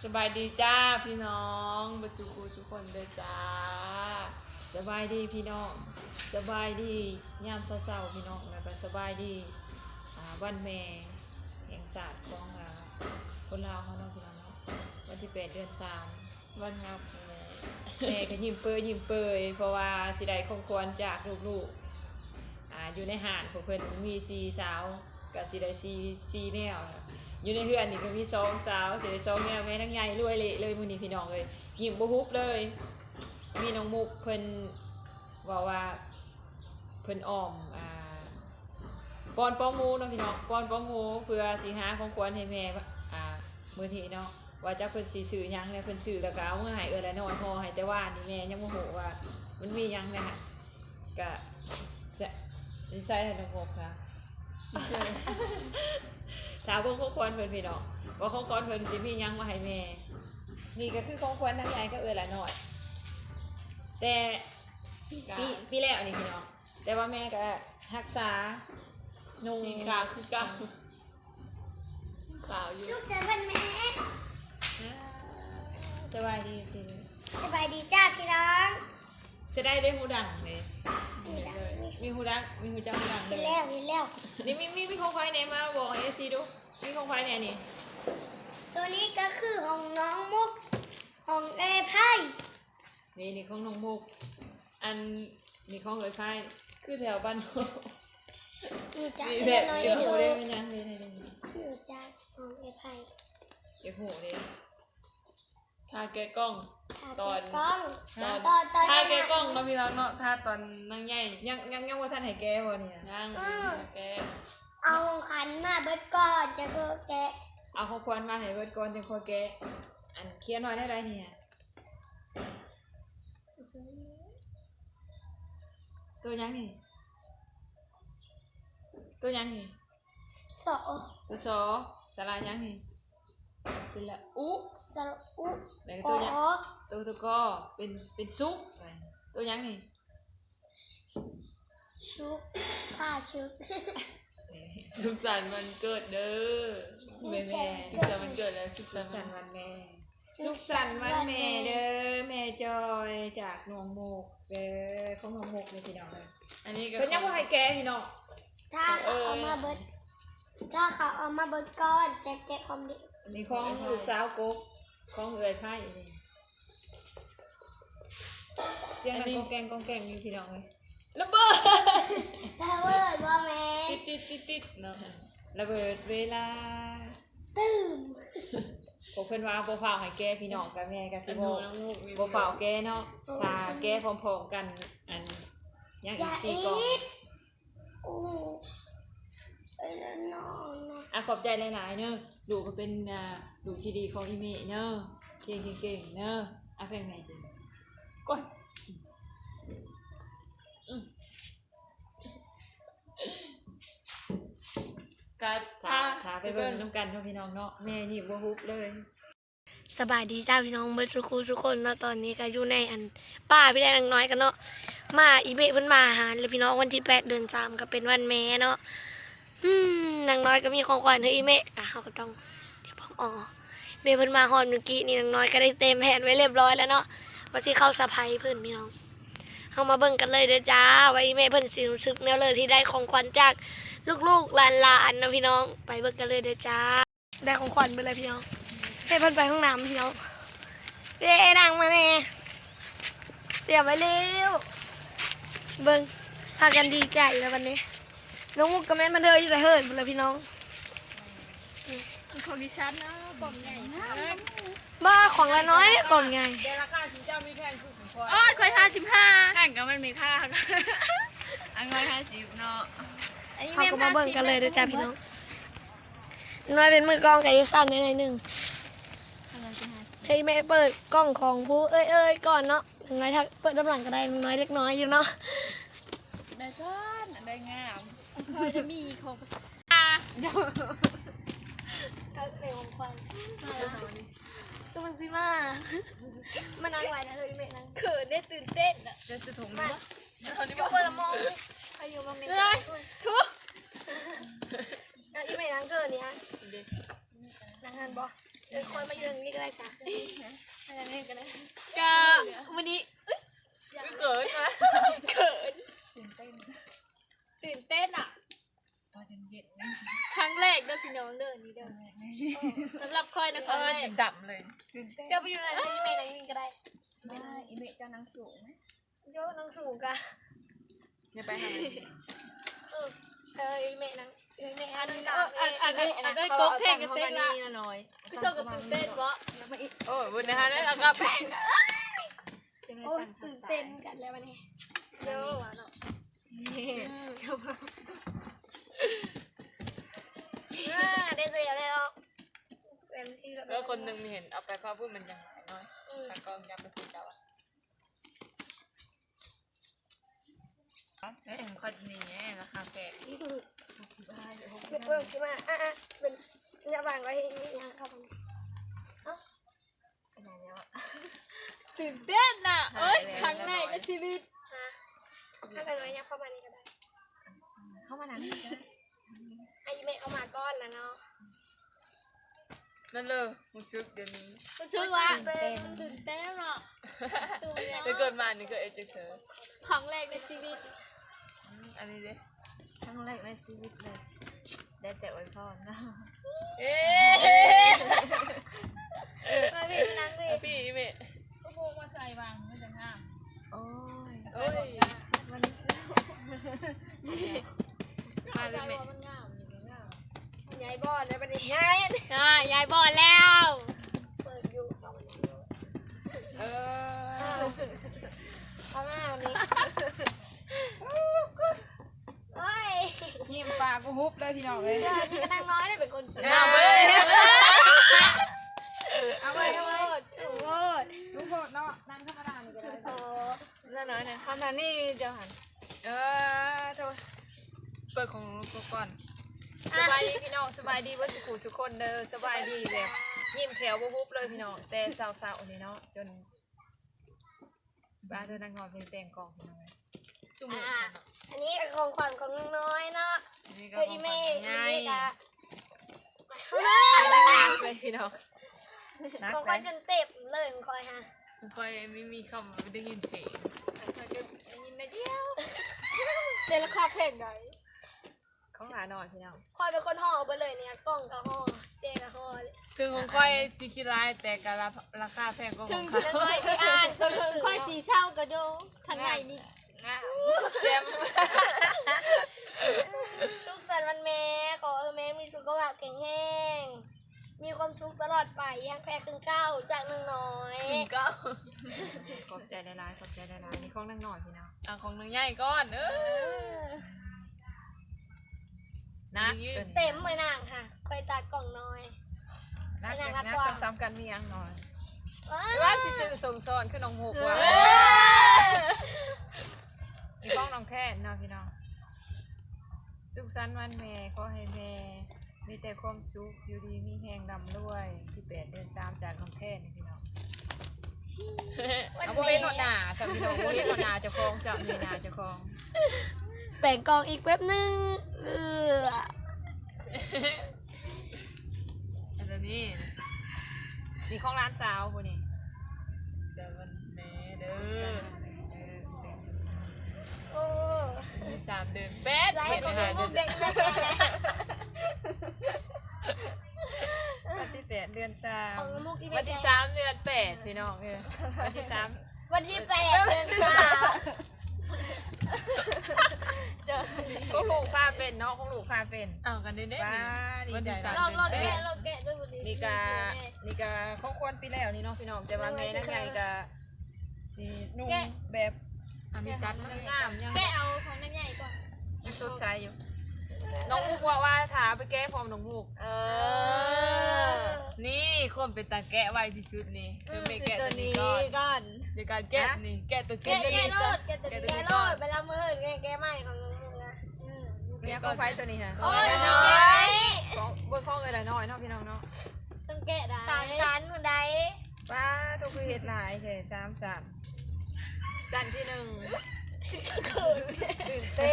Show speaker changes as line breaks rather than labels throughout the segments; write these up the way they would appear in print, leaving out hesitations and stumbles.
สบายดีจ้าพี่น้องบัจุคูทุกคนเลยจ้า
สบายดีพี่น้องสบายดียามเศร้าๆพี่น้องแล้วก็สบายดีวันแม่แห่งศาสตร์ของคนลาวเขาเนาะพี่น้องเนาะวันที่8 เดือน 3
วันงับ
แม่ก็ยิ้มเปยเพราะว่าสิได้ของควรจากลูกๆอยู่ในหาดของเพิ่นมี4 สาวก็สิได้4แนวอยู่ในเฮือนนี่ก็มี2 สาวสิได้2แนวแม่ทั้งใหญ่รวยเละเลยมื้อนี้พี่น้องเลยยิ้มบ่ฮุบเลยมีน้องมุกเพิ่นว่าเพิ่นอ้อมป้อนป้องหมูเนาะพี่น้องป้อนป้องหมูเพื่อสิหาของขวัญให้แม่มื้อนี้เนาะว่าจักเพิ่นสิซื้อหยังเนี่ยเพิ่นซื้อแล้วก็เอามาให้ละน้อยพอให้แต่ว่านี่แม่ยังบ่ฮู้ว่ามันมีหยังนะฮะก็ใส่ให้น้องมุกค่ะถามของขวัญเพิ่นพี่น้องว่าของขวัญเพิ่นสิมีหยังมาให้แม่นี่ก็คือของขวัญทั้งใหญ่ก็ละน้อยแต่ปีแล้วนี่พี่น้องแต่ว่าแม่ก็รักษานุ่ง
สีขาวคือเก่าขาวอยู่
สุขสันต์วันแม่
สบายดีสิ
สบายดีจ้าพี่น้อง
จะได้หูดังเลย
มีแล้วมี
มีหูดังมีหูจังหูดังเล
มี
ย
แล้วมีแล้ว
นี่มีของใครเนี่ยมาบอกเอฟซีดูมีของใครเนี่ยนี่
ตัวนี้ก็คือของน้องมุกของเอไพ่
นี่ของน้องมุกอันนี่ของเลยไพ่
คือแถวบ้านนอก
หนูจะ
มี
เรี
แบ
ยน
บ
น้อย
เดี๋ยว
ดู
หูได้ไหมยังเลย
หนูจะของเอไพ่
เดี๋ยวหูเลย
ทาแกกล้อง ตอน
กล้อง
ตอน
ตอน
ทาแกกล้องเนาะพี่น้องเนาะทาตอนนั่งใหญ่
ยังว่าท่านให้แกวะเนี่ย
นั่งแก
เอาขันมาเบิดก่อนจะคือแกะ
เอาของขวัญมาให้เบิดก่อนจังคอยแกอันเคียนน้อยได้ไรเนี่ยตัวยังนี่ตัวยังนี่
สอ
ตัวสอสลายังนี่สละอุ
สระอุ
แล้ว
ก
ตัว
อ
ยังตัวก็เป็นซุปตัวยังนี่
ชุกผ้าชุก
สุขสันต์วันเกิดเด้อ
แม่
สุขสันต์วันเกิดแล้วสุข
สุ
สัน
ข
ต์
สั
วัน น
ต์วันแม่สุขสันต์วันแม่เด้อแม่จอยจากหนองโมกเด้อของหนองโมกเลยพี่น้องเลย
อันนี้ก็
เพิ่นยังบ่ให้แกพี่น้อง
ถ้าเขาเอามาเบิดถ้าเขาเอามาเบิดก่อนจะแกะความดี
อันนี้ของลูกสาวกกของเอื้อยไผ่นี่เสียงนั้นกองแกงนี่พี่น้องเลยระเบิด
ถ้าเวิร์ดว่าแม่
ติดเนาะ
ระเบิดเวลา
ตื่ม
พวกเพิ่นว่าบ่ฟ้าวให้แกพี่น้องกับแม่ก็สิ
อัน
บ่
นู้นน้ำมูกมี
บ่ฟ้าวแกเนาะถ้าแกพร้อมๆกันอันยัง
อ
อี
ย่าก อี
4 กล่อง
ดโอ้ไอ้ละน้องนะ
ขอบใจหลายๆเนอะดูก็เป็นดูที่ดีของอีเมเนอะเก่งเนอะเพลงไหนสิก้อย
การ
ขาไปเบิ่งน้ำกันเนาะพี่น้องเนาะแม่นี่บ่ฮุบเลย
สบายดีจ้าพี่น้องเบิร์ดสุขุทุกคนเนาะตอนนี้ก็อยู่ในอันป้าพี่ได้นางน้อยกันเนาะมาอีเมะเพิ่นมาหาเลยพี่น้องวันที่8 เดือน 3ก็เป็นวันแม่เนาะนางน้อยก็มีของขวัญให้อีเมะอ่ะเขาก็ต้องเดี๋ยวพ่อเมะเพิ่นมาฮอนเมื่อกี้นี่นางน้อยก็ได้เต็มแผนไว้เรียบร้อยแล้วเนาะว่าสิเข้าสะพายเพิ่นพี่น้องเฮามาเบิ่งกันเลยเด้อจ้าว่าอีเมะเพิ่นสิรู้สึกแนวเลยที่ได้ของขวัญจากลูกๆหลานๆเนาะพี่น้องไปเบิ่งกันเลยเด้อจ้าได้ของขวัญไปเลยพี่น้องให้เพิ่นไปห้องน้ำพี่น้องเด้ดังมาแน่เดี๋ยวไปเร็วเบิ่งพากันดีใจแล้ววันนี้น้องมุกกับแม่มันเธออยู่แต่เฮิร์นหมดเลยพี่น้อง
ของดิฉันนะกล่องใหญ่นะ
บ้าของละน้อยกล่องไง
แต่ราคาสิเจ้ามีแพงคือของพ่อ
อ๋อเคย55แข่งกันมันมีค่าอันน้อย50เนาะ
เขาก็มาเบิ่งกันเลยเด้อจ้าพี่น้องน้อยเป็นมือกล้องไก่สั้นในหนึ่งให้แม่เปิดกล้องของผู้เอ้ยก่อนเนาะน้อยถ้าเปิดด้านหลังก็ได้น้อยเล็กน้อยอยู่เนาะ
ได้ก้อนได้งามเคยจะมีของ
ก็เป็นของขวัญก็มันสิมามันนั่งไหวนะเลยแม่นั่ง
เขินได้ตื่นเต้นอ่ะจะถุงมั้ยตอนนี้
ก็เปิดละมองใครอยู่มองใน
เลยทุก
อีแม่นั่งเจอเนี่ยนั่งงานบ่คอยมาอยู่ตรงนี้ก็ได้จ้ะ
อะไรนี่ก็ได้
ก็วันนี้เขินนะเขินตื่นเต้นอ่ะ
พอจนเย็น
ครั้งแรกเด้อพี่น้องเด้อนี่เด้อสำหรับคอยนะครั้งแรก
ดำเลยตื่นเต้น
เดี๋ยวไปอยู่ไหนที่เมย์ไหนมีก็ได้
อีเมเจ้านางสูง
โยน้องสูงกะ
จะไปทำอะไร
อีเมย์นังอีเมย์อันนั้น
อันได้โก๊กเพลงกันเต้นละ
น้อย
พี่โชคกับตื่นเต้นวะ
โอ้บุญนะคะแล้วเราก็แพง
โอ้ตื่นเต้นกันแล้ววันนี้
เยอะว่ะเนาะ
ได้เสียแล้วเป็นที่
แล้วคนหนึ่งมีเห็นเอาไปพ่อพูดมันยังน้อยแต่ก็ยังไม่พูดเจ้าเอ้ยคนนี้ราคาแพง
เป็นเพิ่มขึ้นมาเป็นระหว่างไว้นี่นะครับ
ตื่นเต้นอ่ะเอ้ยครั้งแรกในชีวิต
ถ้าเป็นไว้ยับเข้ามานี่ก็ได้
เข้ามานั่ง
ไอ้เมย์เข้ามาก้อนแล้วเนาะ
นั่นเลยมุซึกเดี๋ยวนี้
รู้สึกว่าตื่นเต้นอ่ะตื่นเต้น
จะเกิดมานี่ก็เอเจเธอ
ครั้งแรกในชีวิต
อันนี้เด้
ครั้งแรกในชีวิตเลย ได้แต่อวยพรนะ
เอ๊ะ
มาพี่นั่งพี่
พี่เมย์
ก็โมมาใส่บางไม่จะงาม
โอ้ย
โอ้ย
วันนี้
มาเลยเมย์
มันงามงาม
ยายบอลแล้วเป็นยาย
ยายบอกแล้ว
เปิดอยู่เข้ามา
เออ
เข้ามาวันนี้โอ้ย
ยิ้มปากกูฮุบเลยพี่น้องเลย
นี่ก็นั่งน้อยได้เป็นคนสวย
เอาไปเลย
เอาไปโทษโทษ
ทุกคนเนาะนั่งธรรมดานี่ก็ได้
โอ้
นั่นน้อยนะคำนั้นนี่เจ้าหันโทษเปิดของลูกก่อน
สบายดีพี่น้องสบายดีว่าสุขุสุคนเด้อสบายดีแบบยิ้มแขวบุบเลยพี่น้องแต่สาวๆนี่เนาะจนบ้านเธอนั่งนอนเป็นแตงกองพี่น้อง
จุ่ม
อันนี้ของขวัญของน้อยเนาะ
นี่ก็
เพื่ออีเมย์อีเมย์กะ
นักเลยพี่น้องนัก
ของข
เล
วัญ
ย
จนเต็มเลยของคอยฮะ
คอยไม่มีคำไม่ได้ยินเสียงคอยก็ได้ยินนะเดียว
เต้นละครเพลงไหน
ของหลานอนพี่น้อง
คอยเป็นคนห่อไปเลยเนี่ยกล้องกับห่อเจกับห่อ
ถึงของคอยจิคิรายแต่กราคาแพงกว่าของเขา
แล้วก็ที่อ่าน
จนถึงค่อยสีเช่ากับโยทางไหนนี่
แจม
สุขสันต์วันแม่ขอแม่มีสุขภาพแข็งแรงมีความสุขตลอดไปยังแพ้ครึ่งเก้าจากหนึ่งน้อย
ถึงก็
ขอบใจหลายๆขอบใจหลายๆนี่ของนั่งนอนพี่น้อง
เอาของนางใหญ่ก่อน
นัก
เต็มเลยนางค่ะคอยตัดกล่องน้อย
นัก
นัก
นัก
กว่า
ซ้ำๆกันมียังนอน
ว้า
ว่าสิซื้อส่งซ้อนคือน้องหกว่ะมีของน้องแท่นเนาะพี่น้องสุขสันต์วันแม่ขอให้แม่มีแต่ความสุขอยู่ดีมีแหงดำด้วยที่8 เดือน 3จากน้องแท่นนี่พี่น้องเอาโบเห็นหนวดหนาสามีน้องโบเห็นหนวดหนาเจ้าของสามีหนาเจ้าของ
แบ่งกล่องอีกแป๊บนึง
อันนี้
นี่ของร้านสาวพวกนี้
เซเว่นแม่เด้
สุขสัน
อ
ต์วันแม่เด้อที่8 เดือน
โอ้
มี3 เดือนแป๊ด
ไล
เห็
ฟ์
น
ของ
ไหม
ลูกเด็ก
3วันที่8 เดือน
ของลูกที่
3วันที่3 เดือน 8พี่น้องวันที่3
วันที่8 เดือน3
ของลูกพาเป็นเนาะของลูกพาเป็น
เอากันเด้
ว้าดี
วัน
ใจ
ที่
ลอง
3
แกะ
เดือน
ลองแกะด้วยวันนี้
นี่กาของควรปีแล้วนี่เนาะพี่น้องแต่ว่าแม่นั่งใหญ่กาสีนุ่มแบบ
มีตัด
งามยัง
แกะเอาของนั่นใหญ่ก่อน
ยังสดใสอยู่น้องมุกว่าถาไปแก้พร้อมน้องมุก
นี่คนเป็นตาแกะไวที่สุดนี่คือไม่แกะตัวนี้ก่อน
ก่อน
ในการแกะนี่แกะตัวสี
แกะ
นี้
โล
ก่อน
ดแกะตัวนี้โลดเวลามือเหินแกะใหม่ของลุงนะ
เนี่ยก็ไฟตัวนี้ฮะ
โอ้ย
น้
แกะ
อย
ของเบิ้งข้องเอ้ยละน้อยเนาะพี่น้องเนาะ
ต้องแกะได้
สามชั้นคนใด
ป้าทุกคือเฮ็ดหลายแค่3 สั่นสั่นที่1
เป็น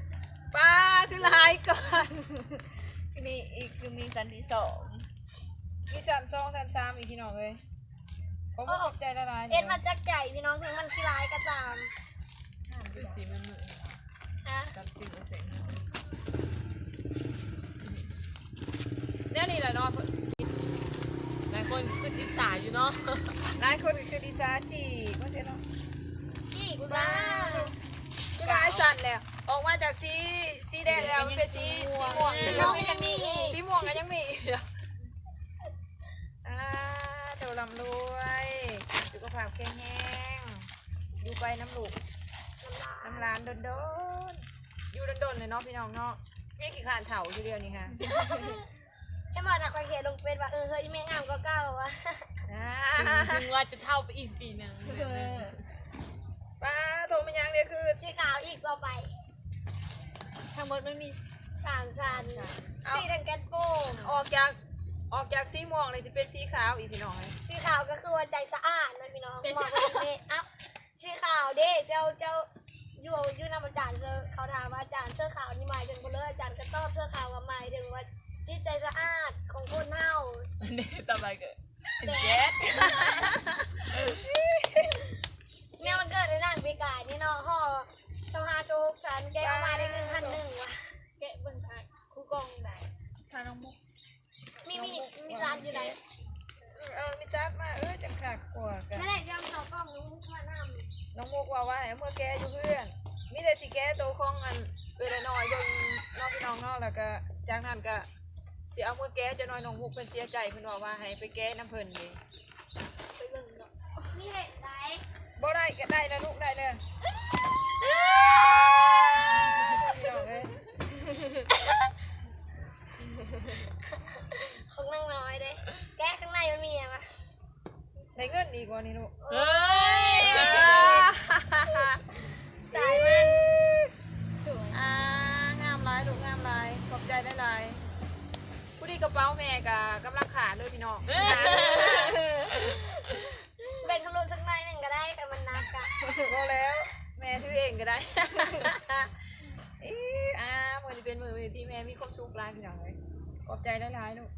ป้าคือหลายก่อน
มีอีกคือมีสันที่2
สัน2สัน3อีกพี่น้องเลยผมก็ตกใจละลาย
เอ็นมาจากใจพี่น้องถึงมันขี้ร้ายก็ตาม
คือสีมันมือ
นะ
กับจืดเสียง
เนี่ยนี่แหละเนาะ
หลายคนคืออิจฉาอยู่เนาะ
หลายคนก็คือดีซาจีก็ใช่เนาะ
จี้กูบ้า
คือลายสั่นแล้วออกมาจากสีแดงแล้วมันเป็นสีม่วง
น้องยังมีอีก
สีม่วงก็ยังมีเจ้าลำรวยสุขภาพแข็งแรงอยู่ไปน้ำลูกน้ำร้านโดนอยู่โดนเลยเนาะพี่น้องเนาะไม่ขี้ขานเถาทีเดียวนี่ค่ะ
ให้มาจากประเทศลงเป็นว่าเฮ้ยแม่งามก็เก้าวะ
ถึงว่าจะเท่าไปอีกปีหนึ่ง
ป้าโทรมายังเดียวคือ
สีขาวอีกต่อไป ทั้งหมดมันมี3สันสีทั้งแก๊สโป้ง
ออกจากสีม่วงเลยสิเป็นสีขาวอีกพี่น้องเลย
สีขาวก็คือว่าใจสะอาดนะพี่น้องมองไปเอ๊ะเอ้าสีขาวเด้เจ้าอยู่นำอาจารย์เสื้อเขาถามว่าอาจารย์เสื้อขาวนี่หมายถึงคนเลยอาจารย์ก็ตอบเสื้อขาวว่าหมายถึงว่าจิตใจสะอาดของคนเฮา
อันนี้ต่อไปก็เป็นแก๊ส
แม่มันเกิดในนั่นปีกายนี่เนาะห่อสภาโชคสันแกเอามาได้1,100ว่ะแกะเบิ่งค่ะครูกองไหน
ทาน้องมุก
มีร้านอยู่ไหน
มีจับมาจังขากกว่ากัน
นั่นแหละยำเขากล้องนุ้งมานำ
น้องมุกว่าให้เมื่อแกอยู่เพื่อนมีแต่สิแกโตของอันละน้อยเบิ่งน้องพี่น้องเนาะแล้วก็จากนั้นก็สิเอาเมื่อแกจะน้อยน้องมุกเพิ่นเสียใจเพิ่นว่าให้ไปแกน้ำเพิ่นนี่
ไปเบิ่งเนาะมีเห็ดไหน
บ่ได้ก็ได้แล้วลูกได้เลยพี่น้องเอ้ย
ของนางน้อยเด้แกะข้างในมันมีอะไรวะ
ได้เงินอีกว่านี่ลูก
เฮ้ย
สายมันสวย
งามหลายลูกงามหลายขอบใจหลายๆผู้ดีกระเป๋าแม่ก็กำลังขาดด้วยพี่น้อง
แบ่งขลุ่นสักหน่อยหนึ่งก็ได้แต่มันนักอะ
พอแล้วแม่ถือเองก็ได้ มือนี้เป็นมือที่แม่มีความสุขหลายพี่น้องเลยขอบใจหลายๆลูก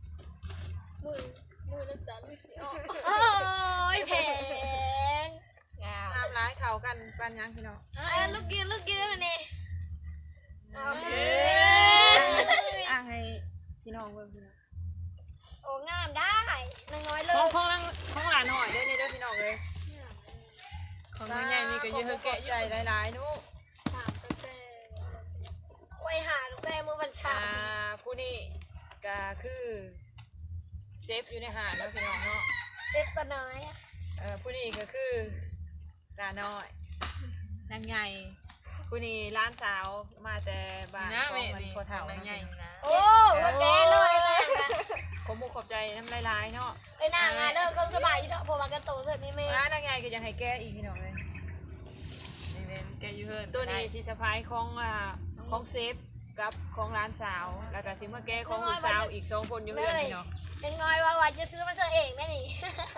มือนะจ๊ะไม่สิออก
โอ้ยแพง
งาม
งามหลายเขากันปานยังพี่น้อง
ลูกยืนมันนี่เอาเ
อ่างให้พี่น้องเบิ่งพี่น้อง
โอ้งามได้นางน้อยเล
ขอย งหลานหน่อยเด้อนี่เด้อพี่น้องเลย
ของน้องใหญ่นี่ก็เยอะแกะ
ใจหลายๆนุ
ถามตั้งแต่ไว้หาตั้งแต่เมื่อวันเช้า
ผู้นี้ก็คือเซฟอยู่ในหาดเนาะพี่น้องเนาะ
เล็กตัวน้อยอะ
ผู้นี้ก็คือตาน้อยนางใหญ่ผู้นี้ร้านสาวมาแต่บ้าน
นะ
ขอ
แม่
งมัน
นี่
พอเท่า
น้องใหญ่นะ
โอ้วันแกเลยนะ
ผมมุกขอบใจน้ำลายๆเนาะ
ไอ้นางอะเลิกเครื่องสบายอยู่เถอะเพราะว่ากระโตเสร็จนี่แม่
นางใหญ่ก็ยังให้แก้อีกพี่น้องเลย
นี่เป็นแกะอยู่เฮิร์น
ตัวนี้สีสะพายของเซฟกับของร้านสาวแล้วก็สิเมื่อแก้ของลูกสาวอีก2คนอยู่เพื่อนพี่น้อง
ยังน้อยว่าจะซื้อมาเธอเองแม่นี่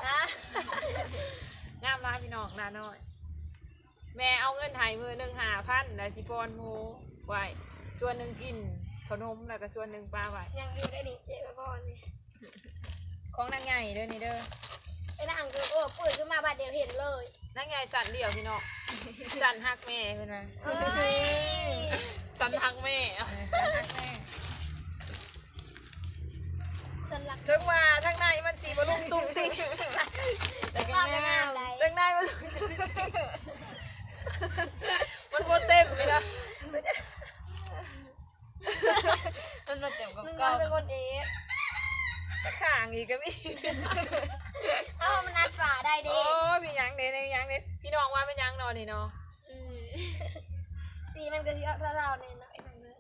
งามร้านพี่น้องร้านน้อย แม่เอาเงินไทยมือ1,500แล้วสิปอนหมูไว้ส่วนหนึ่งกินขนมแล้วก็ส่วนหนึ่งปลาไว้
ยังอยู่ได้ดิเจ๊พ่อนี่
ของนางใหญ่เด้อนี่เด้อ
ไอ้นางคือปืนขึ้นมาบาดเดียวเห็นเลย
นางใหญ่สั่นเดี่ยวพี่น้องสั่นฮักแม่เพิ่นว่า
เฮ้ย
สันทักแม่
สั่นฮักแม่
ฉันรัก
ถึงว่าทางในมันสีบลุงตุ้งติ้ง
ว่าเป็นอะไร
ทางในมันมันโบเต็มเลยนะ
มันมาเต็มกับ
มึง
กล้
มา
อง
เป็นคนเอก
จะข่างอีกก็มี
เอ้ามันนัดฝาได้ดิ
โอ้มีหยังเด้มีหยังเด้พี่น้องว่าเป็นหยังนอนนี่เนาะ
สีมันก็ที่เอาเราเนี่ยนะไอ้นางเนี่ย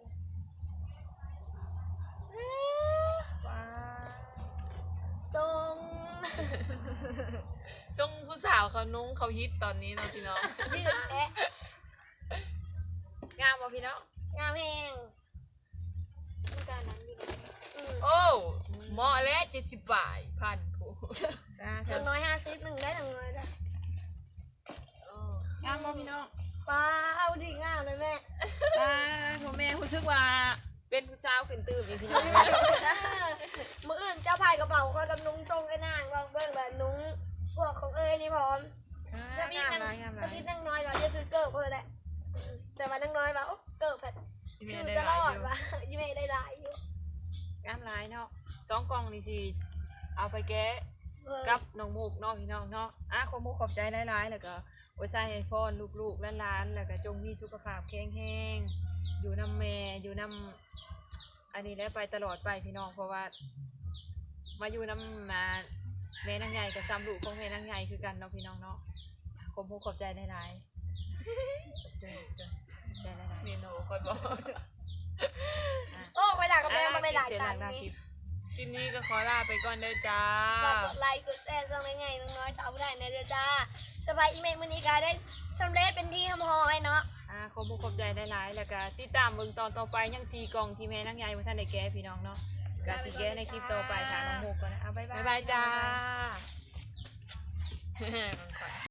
ว้า
ทรง
ช่วงผู้สาวเขานุ่งเขาฮิตตอนนี้เนาะพี่น้อง
ยืดแอะ
งามบ่พี่น้อง
งามแหงต้องการนั้นอยู่
โอ้เหมาะแล้ว70 บาทพันผู้
ถึง150หนึ่งได้ถึง100จ้ะ
งามบ่พี่น้อง
ป้าเอาดิงามเลยแม่
ผมแม่รู้สึกว่าเป็นผู้สาวขึ้นตื่มอีกพี่น้อง
มื้ออื่นเจ้าพายกระเป๋าเขากับนุ้งทรงไอ้นางลองเบิ่งแบบนุ้งพวกของเอ้ยนี่พร้อม
งามหลายงามหลาย
พี่นั่งน้อยเราจะซื้อเกิร์บเลยแหละแต่มานั่งน้อยว่าโอ้เกิร์บแบบคือตลอดว่ายี่เมย์ได้หลายอยู่
งามหลายเนาะ2กล่องนี่สิเอาไปแก้กับน้องมุกเนาะพี่น้องเนาะขอมุกขอบใจหลายๆแล้วก็โอ้ยใส่ให้พรลูกๆหลานๆแล้วก็จงมีสุขภาพแข็งแรงอยู่นำแม่อยู่นำอันนี้แล้วไปตลอดไปพี่น้องเพราะว่ามาอยู่นำมาแม่นางใหญ่กับซ้ำลูกของแม่นางใหญ่คือกันเนาะพี่น้องเนาะขอมุกขอบใจหลายๆใจหลายๆ
เมนูคอยบอก
โอ้ไปด่ากับแม่มาไปหลาย
เสีย
ชั้น
หลัก
นี่
คลิปนี้ก็ขอลาไปก่อนเด้อจ้า
ฝากกดไลค์กดแชร์ส่งง่ายๆน้อยๆจะเอาไปได้ในเดือนจ้าสบายอีเมลมื้อนี้ก็ได้สำเร็จเป็นที่ทำหอยเนาะ
ขอมุกขอบใจหลายๆแล้วก็ติดตามเบิ่งตอนต่อไปยัง4กล่องที่แม่นางใหญ่บ่ทันได้แก้พี่น้องเนาะก็สิแก้ในคลิปต่อไปค่ะน้องมุกก่อนนะบ๊ายบาย
บ๊ายบายจ้า